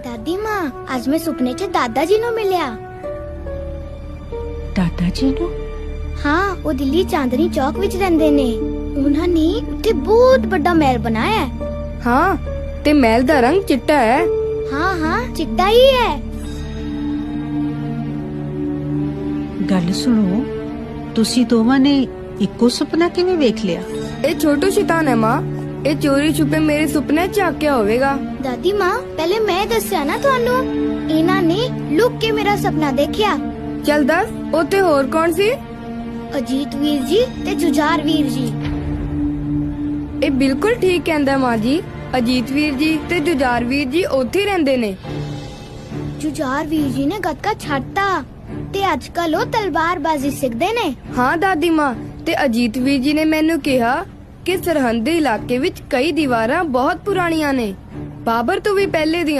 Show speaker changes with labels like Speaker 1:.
Speaker 1: ਦਾਦੀ ਮਾਂ, ਅੱਜ ਮੈਂ ਸੁਪਨੇ 'ਚ ਦਾਦਾ ਜੀ ਨੂੰ ਮਿਲਿਆ।
Speaker 2: ਦਾਦਾ ਜੀ ਨੂੰ?
Speaker 1: ਹਾਂ, ਉਹ ਦਿੱਲੀ ਚਾਂਦਨੀ ਚੌਕ ਵਿੱਚ ਰਹਿੰਦੇ ਨੇ। ਉਹਨਾਂ ਨੇ ਉੱਥੇ ਬਹੁਤ ਵੱਡਾ ਮਹਿਲ ਬਣਾਇਆ ਹੈ।
Speaker 3: ਹਾਂ, ਤੇ ਮਹਿਲ ਦਾ ਰੰਗ ਚਿੱਟਾ ਹੈ।
Speaker 1: ਹਾਂ ਹਾਂ, ਚਿੱਟਾ ਹੀ ਹੈ।
Speaker 2: ਗੱਲ ਸੁਣੋ, ਤੁਸੀਂ ਦੋਵਾਂ ਨੇ ਇੱਕੋ ਸੁਪਨਾ ਕਿਵੇਂ ਵੇਖ ਲਿਆ?
Speaker 3: ਇਹ ਛੋਟੂ ਸ਼ੈਤਾਨ ਹੈ ਮਾਂ। ਇਹ ਚੋਰੀ ਛੁਪੇ ਮੇਰੇ ਸੁਪਨੇ ਝਾਕਿਆ ਹੋਵੇਗਾ।
Speaker 1: ਦਾਦੀ ਮਾਂ, ਪਹਿਲੇ ਮੈਂ ਦੱਸਿਆ ਨਾ ਤੁਹਾਨੂੰ। ਇਹਨਾਂ ਨੇ ਲੁੱਕ ਕੇ ਮੇਰਾ ਸੁਪਨਾ ਦੇਖਿਆ।
Speaker 3: ਚੱਲ ਦੱਸ, ਉੱਥੇ ਹੋਰ ਕੌਣ ਸੀ?
Speaker 1: ਅਜੀਤ ਵੀਰ ਜੀ ਤੇ ਜੁਝਾਰ ਵੀਰ ਜੀ।
Speaker 3: ਇਹ ਬਿਲਕੁਲ ਠੀਕ ਕਹਿੰਦਾ ਮਾਂ ਜੀ। ਅਜੀਤ ਵੀਰ ਜੀ ਤੇ ਜੁਝਾਰ ਵੀਰ ਜੀ ਉੱਥੇ ਹੀ ਰਹਿੰਦੇ ਨੇ।
Speaker 1: ਜੁਝਾਰ ਵੀਰ ਜੀ ਨੇ ਗੱਤਕਾ ਛੱਡਤਾ ਤੇ ਅੱਜਕੱਲ ਉਹ ਤਲਵਾਰਬਾਜ਼ੀ ਸਿੱਖਦੇ ਨੇ।
Speaker 3: ਹਾਂ ਦਾਦੀ ਮਾਂ, ਤੇ ਅਜੀਤ ਵੀਰ ਜੀ ਨੇ ਮੈਨੂੰ ਕਿਹਾ ਕਿ ਸਰਹੰਦੀ ਇਲਾਕੇ ਵਿੱਚ ਕਈ ਦੀਵਾਰਾਂ ਬਹੁਤ ਪੁਰਾਣੀਆਂ ਨੇ। ਬਾਬਰ ਤੋਂ ਵੀ ਪਹਿਲੇ ਦੀਆਂ।